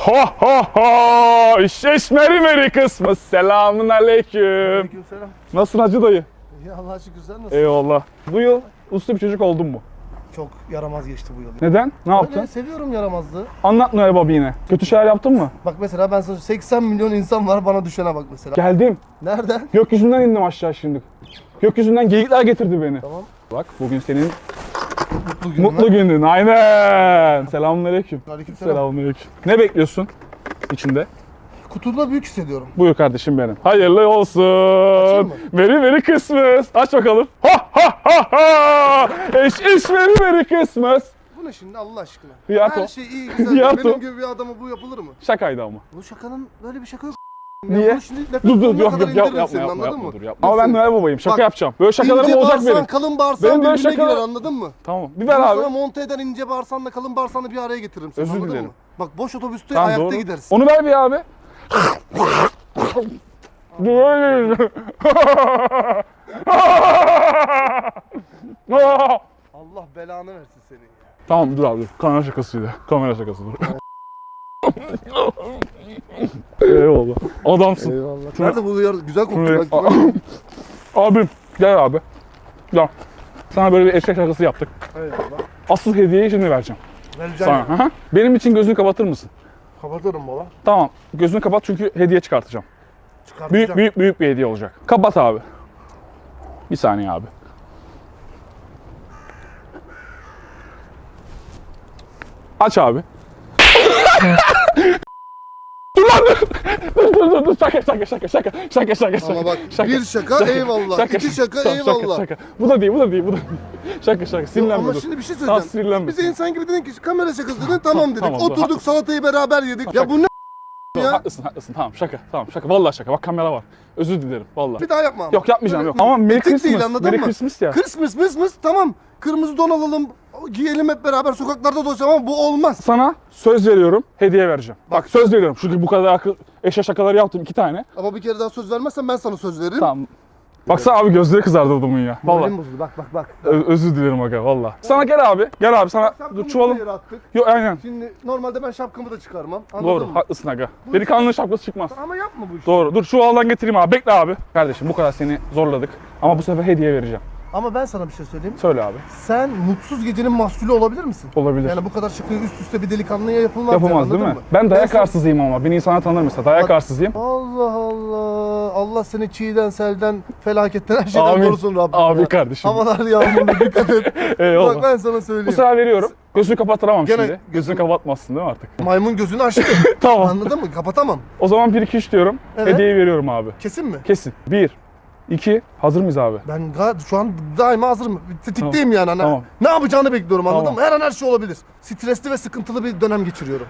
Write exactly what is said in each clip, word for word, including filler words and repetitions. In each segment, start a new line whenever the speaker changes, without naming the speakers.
ho ho ho! Şeşmeri meri kısmı. Selamun aleyküm.
Aleykümselam.
Nasılsın hacı dayı?
İyi Allah'a şükür, sen nasılsın?
Eyvallah. Bu yıl uslu bir çocuk oldun mu?
Çok yaramaz geçti bu yıl.
Neden? Ne yaptın?
Öyle, seviyorum yaramazlığı.
Anlat Noel Baba yine. Kötü şeyler yaptın mı?
Bak mesela ben sana seksen milyon insan var, bana düşene bak mesela.
Geldim.
Nereden?
Gökyüzünden indim aşağı şimdi. Gökyüzünden geyikler getirdi beni.
Tamam.
Bak bugün senin
Mutlu günün.
mutlu günün. Aynen. Selamünaleyküm.
Aleykümselam.
Selamünaleyküm. Ne bekliyorsun içinde?
Kutuda büyük hissediyorum.
Buyur kardeşim benim. Hayırlı
Açayım
olsun.
mı?
Veri veri kısmız. Aç bakalım. Ha ha ha ha. Eş eş veri veri kısmız.
Bu ne şimdi Allah aşkına?
Yato.
Her şey iyi güzel.
Yato.
Benim gibi bir adama bu yapılır mı?
Şakaydı ama.
Bu şakanın böyle bir şaka yok.
Niye?
Bunu şimdi nefes
Dur dur
sonuna
yok
kadar
yok yapma
indiririm
yapma
senin,
yapma,
anladın
yapma
mı?
dur yapma. Ama ben Noel Baba'yım. Şaka
Bak,
yapacağım. Böyle şakalarım
İnce
olacak
bağırsan
benim.
kalın bağırsan
Benim böyle
birbirine
şaka-
girer, anladın mı?
Tamam. Bir ver
Ben
abi.
sana monte eden ince bağırsanla kalın bağırsanla bir araya getiririm seni,
Özür
anladın
dilerim.
mı? Bak boş otobüste
Tamam,
ayakta
doğru.
gidersin.
Onu ver bir abi.
Allah belanı versin seni ya.
Tamam dur abi dur. Kamera şakasıydı. Kamera şakası dur. Eyvallah. Adamsın.
Eyvallah.
Şuna-
Nerede bu yer güzel
Şuraya-
koktu bak.
Abim gel abi. Gel. Sana böyle bir eşek şakası yaptık.
Eyvallah.
Asıl hediyeyi şimdi vereceğim.
Vereceğim.
Sana. Hı hı. Benim için gözünü kapatır mısın?
Kapatırım baba.
Tamam. Gözünü kapat çünkü hediye çıkartacağım.
Çıkartacağım.
Büyük büyük büyük bir hediye olacak. Kapat abi. Bir saniye abi. Aç abi. Dur lan dur. Dur dur dur dur. Şaka şaka şaka şaka şaka şaka şaka.
Ama bak, bir şaka, eyvallah, iki şaka,
Tamam,
eyvallah.
Şaka, şaka. Bu da değil bu da değil bu da değil. Şaka şaka sinirlenme
Ama
dur.
şimdi bir şey
Tamam,
söyleyeceğim.
sinirlenme.
Bize insan gibi dedin ki kamera şakası dedin, tamam dedik.
tamam, dur,
Oturduk
haklısın.
salatayı beraber yedik. Ya bu ne
Dur,
ya?
Haklısın haklısın tamam şaka tamam şaka. Vallahi şaka bak kamera var. Özür dilerim vallahi.
Bir daha yapma ama.
Yok yapmayacağım yok.
Böyle
Ama Merry
etik değil,
Christmas.
anladın
Merry
mı?
Christmas ya.
Christmas mıs mıs tamam. Kırmızı don alalım, giyelim hep beraber sokaklarda dolaşalım ama bu olmaz.
Sana söz veriyorum, hediye vereceğim. Bak,
Bak.
söz veriyorum. Çünkü bu kadar akıl, eşya şakaları yaptım iki tane.
Ama bir kere daha söz vermezsen ben sana söz veririm.
Tamam. Baksana abi gözleri kızardı adamın ya. Vallahi.
Moralim bozuldu, bak bak bak.
Ö- özür dilerim aga vallahi. Sana gel abi. Gel abi sana
Şapkamızı
dur
da
çuvalım.
yere attık.
Yok aynen.
Şimdi normalde ben şapkamı da çıkarmam. Anladın
Doğru
mı?
haklısın aga. Delikanlının şapkası çıkmaz.
Ama yapma bu işi.
Doğru. Dur çuvaldan getireyim abi. Bekle abi. Kardeşim bu kadar seni zorladık. Ama bu sefer hediye vereceğim.
Ama ben sana bir şey söyleyeyim.
Söyle abi.
Sen mutsuz gecenin mahsulü olabilir misin?
Olabilir.
Yani bu kadar şakayı üst üste bir delikanlıya yapılmaz.
Yapamaz
yani,
değil mi?
anladın mı?
Ben dayak
sana-
arsızıyım ama. Beni insana tanır mesela. Dayak
Bak-
arsızıyım.
Allah Allah. Allah seni çiğden, selden, felaketten, her şeyden
Amin.
korusun Rabbim.
Abi
ya.
kardeşim.
Havalar yağmurlu, dikkat et.
Eyvallah.
Bak ben sana
Bu
söyleyeyim.
sefer veriyorum. Gözünü kapatıramam
Gene
şimdi. Gözünü kapatmazsın değil mi artık?
Maymun gözünü açtı.
Tamam.
Anladın mı? Kapatamam.
O zaman bir iki üç diyorum.
Evet.
Hediyeyi veriyorum abi.
Kesin mi?
Kesin. bir iki Hazır mıyız abi?
Ben ga- şu an daima hazırım. Tetikteyim yani. Hani
Tamam.
ne yapacağını bekliyorum, anladın
Tamam.
mı? Her an her şey olabilir. Stresli ve sıkıntılı bir dönem geçiriyorum.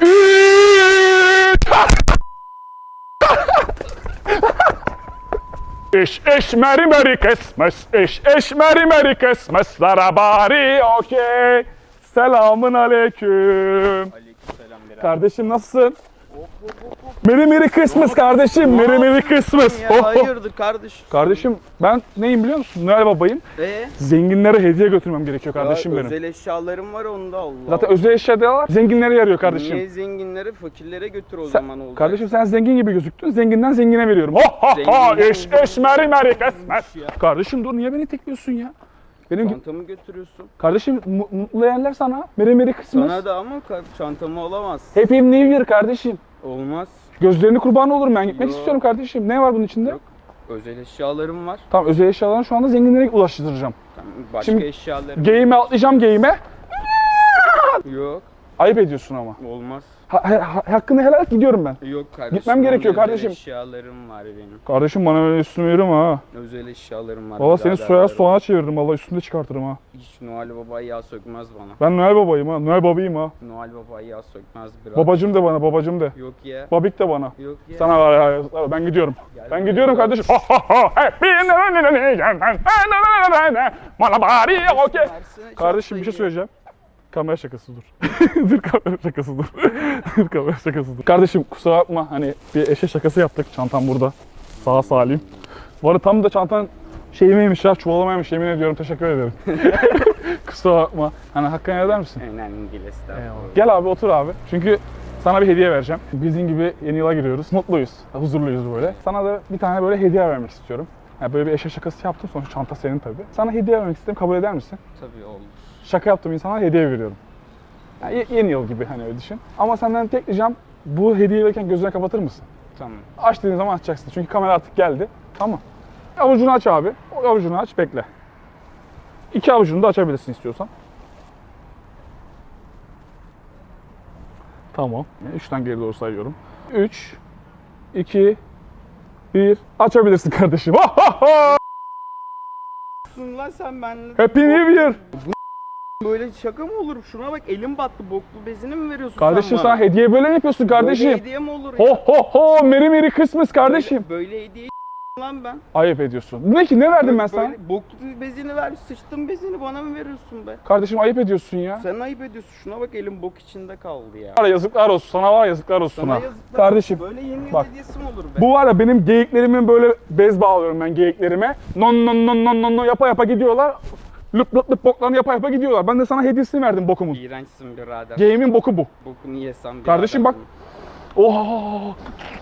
İş iş meri meri Christmas, iş iş meri meri Christmas'lara bari okey. Selamın aleyküm.
Aleykümselam birader.
Kardeşim nasılsın? Merry Merry Christmas kardeşim, Merry Merry Christmas.
Ya
Oh, oh.
hayırdır kardeş?
Kardeşim ben neyim biliyor musun? Noel Baba'yım.
Ee?
Zenginlere hediye götürmem gerekiyor kardeşim
Ya
benim.
özel eşyalarım var onda Allah.
Zaten özel eşyalar zenginlere yarıyor kardeşim.
Niye zenginlere fakirlere götür o
Sen-
zaman olacak.
Kardeşim sen zengin gibi gözüktün. Zenginden zengine veriyorum. Ha ha ha.
Zenginden
İş iş Merry Merry Christmas.
Ya.
Kardeşim dur niye beni tekliyorsun ya? Benim gibi
Çantamı götürüyorsun.
kardeşim mu- mutlu yerler sana. Merry Merry Christmas.
Sana da ama ka- çantamı alamaz.
Happy New Year kardeşim.
Olmaz.
Gözlerini kurban olurum ben gitmek
Yok.
istiyorum kardeşim. Ne var bunun içinde?
Yok. Özel eşyalarım var.
Tamam özel eşyalarını şu anda zenginlere ulaştıracağım.
Tamam, başka
Şimdi-
eşyalarım
Geyime atlayacağım geyime.
yok.
Ayıp ediyorsun ama.
Olmaz.
Ha, ha- hakkını helal et gidiyorum ben.
Yok kardeşim.
Gitmem gerekiyor
özel
kardeşim.
eşyalarım var benim.
Kardeşim bana böyle üstüme yürüme ha.
Özel eşyalarım var.
Valla seni
birader
soya
benim.
soğana çeviririm valla üstünde çıkartırım ha.
Hiç Noel Baba yağ sökmez bana.
Ben Noel Baba'yım ha. Noel Baba'yım ha.
Noel Baba yağ sökmez birader.
Babacım de bana babacım de.
Yok ya.
Babik de bana.
Yok ya.
Sana var ya, ben gidiyorum.
Gel
Ben
buraya.
gidiyorum kardeşim. Ha ha ha. Happy Malabari okey.
Versene, çok
Kardeşim bir şey
sayı.
söyleyeceğim. Kamera şakası dur. dur kamera şakası dur. dur kamera şakası dur. Kardeşim kusura bakma hani bir eşe şakası yaptık. Çantam burada. Sağ salim. Bu arada tam da çantan şeyimeymiş ya çuvalamaymış yemin ediyorum teşekkür ederim. kusura bakma. Hani hakkını eder misin?
Önemli değil estağfurullah.
Gel abi otur abi. Çünkü Sana bir hediye vereceğim. Bildiğin gibi yeni yıla giriyoruz. Mutluyuz, huzurluyuz böyle. Sana da bir tane böyle hediye vermek istiyorum. Yani böyle bir eşya şakası yaptım. Sonuçta çanta senin tabii. Sana hediye vermek istedim. Kabul eder misin?
Tabii olur.
Şaka yaptığım insana hediye veriyorum. Yani ye- yeni yıl gibi hani öyle düşün. Ama senden tek ricam bu hediye verirken gözünü kapatır mısın?
Tamam.
Aç dediğin zaman açacaksın. Çünkü kamera artık geldi. Tamam. Avucunu aç abi. O avucunu aç, bekle. İki avucunu da açabilirsin istiyorsan. Tamam. Üçten geri doğru sayıyorum. Üç, iki, bir. Açabilirsin kardeşim.
Lan sen benimle
Happy New Year.
böyle şaka mı olur? Şuna bak elim battı. Boklu bezini mi veriyorsun
Kardeşim
sen
sana
bana?
hediye böyle mi yapıyorsun kardeşim?
Böyle hediye mi olur ya?
Ho ho ho, Merry Merry Christmas kardeşim.
Böyle, böyle hediye lan ben.
Ayıp ediyorsun. Ne ki, ne verdim ben
Böyle
sana?
Boklu bezini ver, sıçtın bezini bana mı veriyorsun be?
Kardeşim ayıp ediyorsun ya.
Sen ayıp ediyorsun. Şuna bak elim bok içinde kaldı ya.
Var ya, yazıklar olsun. Sana var ya, yazıklar olsun
Sana
ha.
yazıklar.
Kardeşim
Böyle yeni yıl
bak.
hediyesi mi olur be?
bu var ya, benim geyiklerimin böyle bez bağlıyorum ben geyiklerime. Non non non non non non yapa yapa gidiyorlar. Lüp lüp lüp boklarını yapa yapa gidiyorlar. Ben de sana hediyesini verdim bokumun.
İğrençsin birader.
Geyiğimin boku bu.
Bokunu yesem birader.
Kardeşim bak. Oha!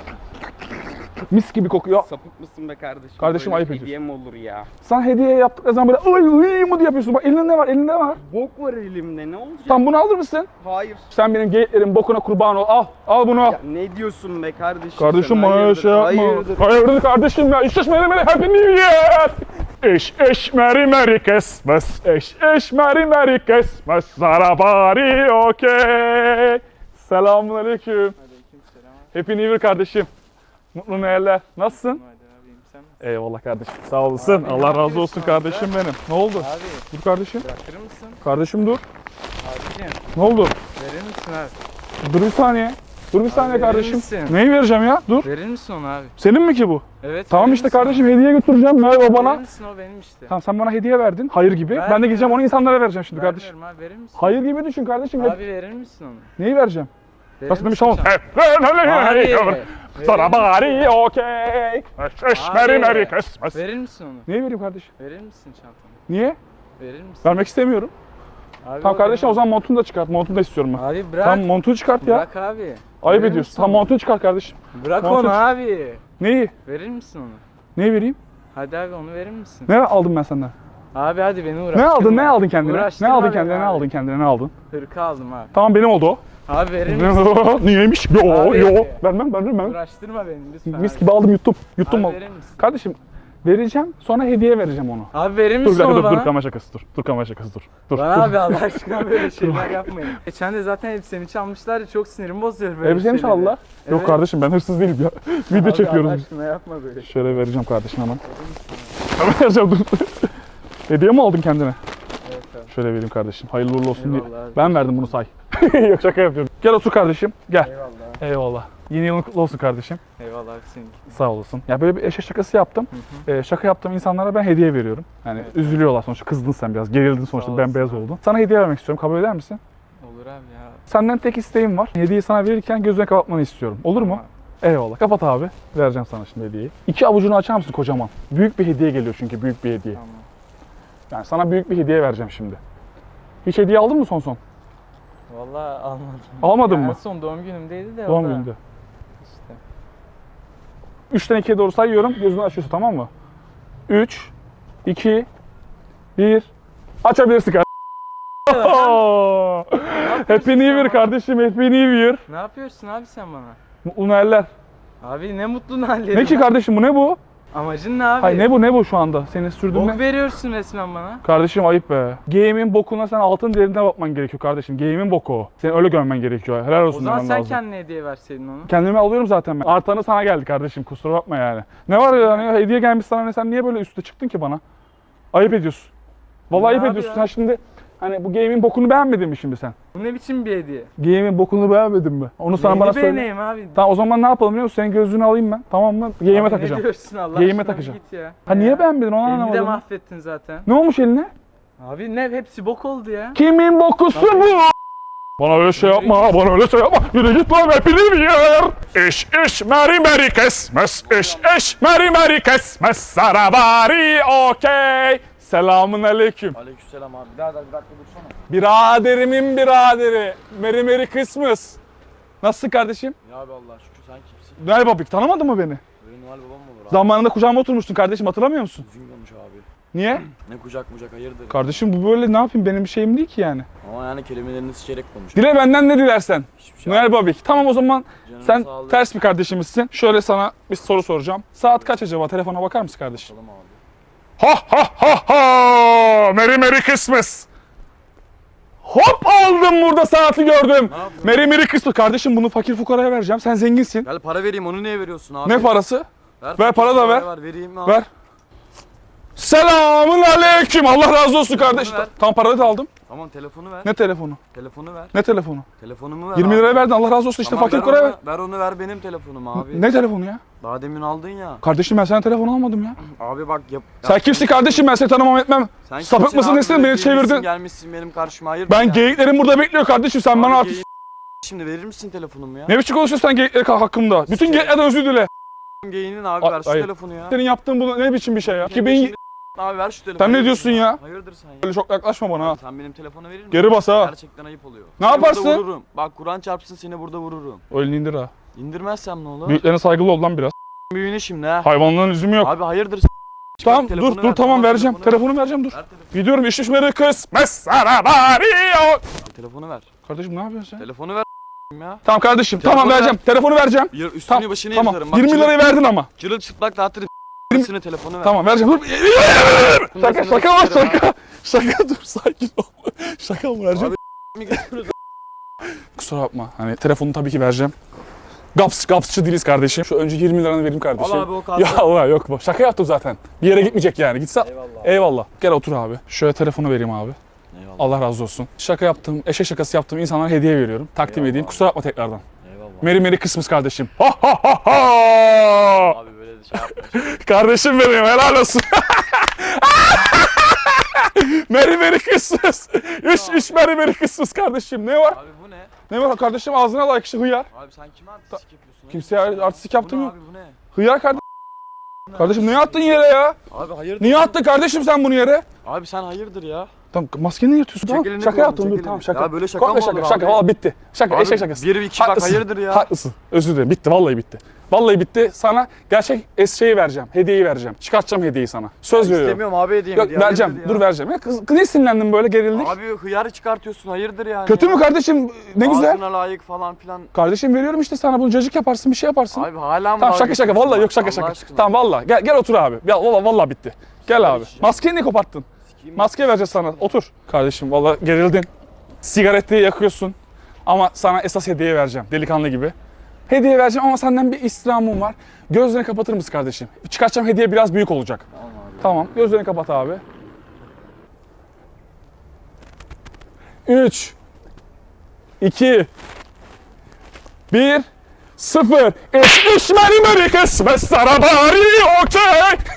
Mis gibi kokuyor.
Sapık mısın be kardeşim?
Kardeşim
Böyle
ayıp
hediye mi olur ya?
Sen hediye yaptıkları zaman böyle oy oy mu diye yapıyorsun. Bak elinde ne var? Elinde ne var?
Bok var elimde ne olacak?
Tam bunu alır mısın?
Hayır.
Sen benim geyiklerimin bokuna kurban ol. Al. Al bunu al.
Ya ne diyorsun be kardeşim?
Kardeşim
sen?
bana öyle
Hayırdır,
şey yapma.
Hayırdır.
Hayırdır kardeşim ya. İşte Merry Merry Happy New Year. Eş eş Merry Merry Christmas. Eş eş Merry Merry Christmas. Zarabari okey. Selamun aleyküm.
Aleykümselam.
Happy New Year kardeşim. Mutlu Noeller. Nasılsın?
Hadi abim sen nasılsın?
Eyvallah kardeşim. Sağ olasın.
Abi, ne
Allah razı
yapıyorsun
olsun
abi?
kardeşim benim. Ne oldu?
Abi
Dur kardeşim.
bırakır mısın?
Kardeşim dur.
Abicim
Ne oldu?
verir misin abi?
Dur bir saniye. Dur bir saniye
verir
kardeşim.
misin?
Neyi vereceğim ya? Dur.
Verir misin onu abi?
Senin mi ki bu?
Evet.
Tamam
verir
işte
misin
kardeşim, hediye götüreceğim. Ver
onu?
bana.
Verir misin o benim işte.
Tamam, sen bana hediye verdin. Hayır gibi. Ben de
Vermiyorum.
gideceğim onu insanlara vereceğim şimdi kardeşim.
Vermiyorum abi verir misin?
Hayır gibi düşün kardeşim. Hep-
Abi verir misin onu?
Neyi vereceğim?
Verir
Nasıl demiş
misin
tamam.
Abi.
Sana bari okey. Eş eş
Abi.
Merry Merry Christmas.
Verir misin onu?
Neyi vereyim kardeşim?
Verir misin çantanı?
Niye?
Verir misin?
Vermek istemiyorum.
Abi
Tamam
o
kardeşim,
benim.
o zaman montunu da çıkart. Montunu da istiyorum ben.
Abi bırak.
Tamam, montunu çıkart ya.
Bırak abi.
Ayıp
Verir
ediyorsun.
misin
Tamam,
onu?
montunu çıkart kardeşim.
Bırak
Montu-
onu abi.
Neyi?
Verir misin onu?
Neyi vereyim?
Hadi abi onu verir misin?
Ne aldım ben senden?
Abi hadi beni uğraştırma.
Ne aldın? Ne aldın kendine? Ne
Uğraştırma
aldın
beni
kendine? Ne
abi.
aldın kendine? Ne aldın?
Hırka aldım abi.
Tamam, benim oldu o.
Abi verir misin?
Niyeymiş? Yo
Abi.
yo. Vermem, vermem ben.
Uğraştırma beni lütfen.
Mis
abi.
gibi aldım, yuttum. Yuttum
Abi
mal.
verir misin?
Kardeşim vereceğim, sonra hediye vereceğim onu.
Abi verir
Dur bir
misin
dakika,
onu
dur,
bana?
dur kamera şakası dur. Dur kamera şakası dur. Dur.
Bana
dur.
abi Allah aşkına böyle şeyler yapmayın. Geçen de zaten elbisemi çalmışlar ya, çok sinirim bozuyor böyle
Elbisemi
şeyleri.
çaldılar. Yok
Evet.
kardeşim, ben hırsız değilim ya. Video
Abi
çekiyoruz.
Allah
biz.
aşkına yapma böyle.
Şöyle vereceğim kardeşim hemen. Hemen vereceğim, dur. Hediye mi aldın kendine?
Evet abi.
Şöyle vereyim kardeşim. Hayırlı uğurlu olsun diye.
Eyvallah abi.
Ben verdim bunu, say. Yok, şaka yapıyorum. Gel otur kardeşim. Gel.
Eyvallah.
Eyvallah. Yeni yılın kutlu olsun kardeşim.
Eyvallah abi seninki.
Sağ olasın. Ya böyle bir eşe şakası yaptım. Ee, şaka yaptığım insanlara ben hediye veriyorum. Yani
Evet.
üzülüyorlar sonuçta. Kızdın sen biraz. Gerildin sonuçta.
Sağ
Ben
olasın
beyaz
abi.
oldun. Sana hediye vermek istiyorum. Kabul eder misin?
Olur abi ya.
Senden tek isteğim var. Hediyeyi sana verirken gözüne kapatmanı istiyorum. Olur mu?
Tamam.
Eyvallah. Kapat abi. Vereceğim sana şimdi hediyeyi. İki avucunu açar mısın kocaman? Büyük bir hediye geliyor çünkü. Büyük bir hediye.
Tamam.
Yani sana büyük bir hediye vereceğim şimdi. Hiç hediye aldın mı son son?
Vallahi almadım.
Almadın
Ya
mı?
En son doğum günümdeydi de.
Doğum
o da
gününde.
İşte.
Üçten ikiye doğru sayıyorum. Gözünü açıyorsun, tamam mı? Üç, iki, bir. Açabilirsin kardeşim. Happy New Year kardeşim. Happy New Year.
Ne yapıyorsun abi sen bana?
Mutlu Noeller.
Abi ne mutlu hallerim.
Ne ki kardeşim, bu ne bu?
Amacın ne abi?
Hayır, ne bu ne bu şu anda? Seni sürdürme.
Bok veriyorsun resmen bana.
Kardeşim ayıp be. Game'in bokuna sen altın değerine bakman gerekiyor kardeşim. Game'in boku o. Seni öyle görmen gerekiyor. Helal
O
olsun
zaman
demen
sen
lazım.
kendine hediye verseydin onu.
Kendime alıyorum zaten ben. Artanı sana geldi kardeşim, kusura bakma yani. Ne var ya, hani hediye gelmiş sana, ne, sen niye böyle üste çıktın ki bana? Ayıp ediyorsun. Vallahi
Ne
ayıp
abi
ediyorsun.
ya?
Sen şimdi hani bu game'in bokunu beğenmedin mi şimdi sen?
Bu ne biçim bir hediye?
Game'in bokunu beğenmedin mi? Onu sana
Neyini
bana söyle.
beğeneyim abi?
Tamam, o zaman ne yapalım biliyor musun? Senin gözlüğünü alayım ben. Tamam mı? Game'e
Abi
takacağım.
Ne diyorsun Allah
Game'e
aşkına,
takacağım.
bir git ya.
Ha
Ne
niye
ya?
beğenmedin, onu
Elini de
anlamadım.
mahvettin zaten.
Ne olmuş eline?
Abi ne hepsi bok oldu ya.
Kimin bokusu bu? Bana öyle şey yapma, bana öyle şey yapma. Yürü git lan, Happy New Year. İş iş Merry Merry Christmas. İş iş Merry Merry Christmas. Sarabari okey. Selamun aleyküm.
Aleykümselam abi. Birader bir dakika dursana.
Biraderimin biraderi. Merry Merry Christmas. Nasılsın kardeşim?
Ya abi Allah şükür, sen kimsin?
Noel Babik tanımadın mı beni?
Böyle Noel babam mı olur abi?
Zamanında kucağıma oturmuştun kardeşim, hatırlamıyor musun?
Uzun olmuş abi.
Niye?
Ne kucak mucak hayırdır?
Kardeşim bu böyle ne yapayım, benim bir şeyim değil ki yani.
Ama yani kelimelerini seçerek konuş.
Dile benden ne dilersen.
Hiçbir şey
Noel Babik. Tamam o zaman
Canına
sen
sağlık.
ters bir kardeşimizsin. Şöyle sana bir soru soracağım. Saat kaç acaba? Telefona bakar mısın kardeşim?
Bakalım abi.
Ha ha ha ha! Merry Merry Christmas! Hop aldım, burada saati gördüm.
Ne yapıyorsun?
Merry Merry Christmas. Kardeşim bunu fakir fukaraya vereceğim. Sen zenginsin.
Gel para vereyim, onu niye veriyorsun abi?
Ne parası?
Ver,
Ver, para da ver.
ver. Vereyim abi.
Ver. Selamun aleyküm. Allah razı olsun kardeş.
ver.
Tam parayı da aldım.
Tamam telefonu ver.
Ne telefonu?
Telefonu ver.
Ne telefonu?
Telefonumu ver
yirmi
abi.
liraya verdin, Allah razı olsun, işte
Tamam,
fakir
ver
fukaraya ver.
onu, ver onu, ver benim telefonum abi.
Ne telefonu ya?
Daha demin aldın ya.
Kardeşim ben sana telefon almadım ya.
Abi bak yap.
Sen kimsin kardeşim, ben seni tanımam etmem.
Sen
Sapık
kimsin
mısın
abi?
nesin,
Böyle
beni
girmişsin,
çevirdin.
Gelmişsin benim karşıma, hayır.
Ben geyiklerim burada bekliyor kardeşim, sen
Abi
bana artık...
geyiğin- Şimdi verir misin telefonumu ya?
Ne biçim konuşuyorsun sen geyikler hakkında? Bütün geyiklerden özür dile.
Geyiğinin abi,
A-
ver şu
hayır.
telefonu ya.
Senin yaptığın bu ne biçim bir şey ya? iki bin...
Şimdi- Abi ver şu telefonu.
Sen ne
Hayırdır
diyorsun ya?
Hayırdır sen ya?
Böyle çok yaklaşma bana ha.
Sen benim telefonu verir misin?
Geri bas ha.
Gerçekten ayıp oluyor.
Ne
Seni
yaparsın?
Burada vururum. Bak Kur'an çarpsın, seni burada vururum.
O elini indir ha.
İndirmezsem ne olur?
Büyüklerine saygılı ol lan biraz.
Büyüğüne şimdi ha.
Hayvanların lüzumu yok.
Abi hayırdır?
Tamam
telefonu
dur
ver,
dur tamam vereceğim.
telefonu ver.
Telefonu vereceğim dur.
Ver telefonu.
Gidiyorum, iş düşmeri kısmet sana bari.
Telefonu ver.
Kardeşim ne yapıyorsun sen?
Telefonu ver ya.
Tamam kardeşim
Telefonu
tamam
ver.
vereceğim. Telefonu vereceğim.
Yır, üstünü
Tamam,
başını
tamam.
yırtarım. Bak,
yirmi
çırıl-
lirayı verdin ama.
Çırıl çıplak dağıtırım. Üstüne telefonu ver.
Tamam vereceğim. Dur. Şaka
sana
şaka var
sikerim
şaka. Şaka dur, sakin ol. Şaka mı vereceğim?
Mi götürürüz?
Kusura bakma. Hani telefonu tabii ki vereceğim. Gaps, gapsçı değiliz kardeşim. Şu önce yirmi liranı vereyim kardeşim.
Al abi o kartı.
Ya Allah yok bu. Şaka yaptım zaten. Bir yere gitmeyecek yani. Gitse.
Eyvallah.
Eyvallah. Gel otur abi. Şöyle telefonu vereyim abi.
Eyvallah.
Allah razı olsun. Şaka yaptım, eşek şakası yaptım. İnsanlara hediye veriyorum. Takdim
Eyvallah.
edeyim. Kusura bakma tekrardan.
Eyvallah.
Merry Merry Christmas kardeşim. Ha ha ha ha.
Abi böyle de şey yapma.
Kardeşim benim, helal olsun. Merry Merry Christmas. İş iş Merry Merry Christmas kardeşim. Ne var?
Abi bu ne?
Ne var kardeşim, ağzına layık işte hıyar.
Abi sen kime artistik yapıyorsun?
Kimseye artistik yaptım
Bu ne
yok.
abi bu ne?
Hıyar kardeşim. Kardeşim niye attın yere ya?
Abi hayırdır?
Niye attın kardeşim sen bunu yere?
Abi sen hayırdır ya?
Tamam maskeni yatıyorsun. Tamam.
elini
Şaka
kolunu,
yaptım
çek
dur
elini.
tamam şaka.
Ya böyle şaka
Komple
mı
şaka
olur
şaka
abi?
valla bitti. Şaka
Abi
eşek şakası.
bir, iki, bak,
Haklısın,
hayırdır ya?
Haklısın. Özür dilerim. Bitti vallahi bitti. Vallahi bitti. Sana gerçek es şeyi vereceğim. Hediyeyi vereceğim. Çıkartacağım hediyeyi sana. Söz veriyorum.
İstemiyorum abi hediyemi.
Yok
diye,
vereceğim.
hayırdır
Dur
ya?
vereceğim. Ya kız, kız niye sinirlendin böyle, gerildik?
Abi hıyarı çıkartıyorsun, hayırdır yani?
Kötü
ya?
mü kardeşim? Ne güzel.
Ağzına layık falan filan.
Kardeşim veriyorum işte sana, bunu cacık yaparsın, bir şey yaparsın.
Abi hala mı?
Tamam
dalga
şaka şaka
geçiyorsun
vallahi
ya?
yok şaka
Allah
şaka.
aşkına.
Tamam vallahi gel gel otur abi. Ya vallahi vallahi bitti. Gel abi.
içeceğim.
Maskeyi niye koparttın?
Sikeyim.
Maske vereceğiz sana. Otur. Kardeşim vallahi gerildin. Sigaretliği yakıyorsun. Ama sana esas hediye vereceğim. Delikanlı gibi. Hediye vereceğim ama senden bir istirhamım var. Gözlerini kapatır mısın kardeşim? Çıkartacağım hediye biraz büyük olacak.
Tamam abi.
Tamam. Gözlerini kapat abi. üç iki bir sıfır. İş iş meri meri kısmet sana bari okey.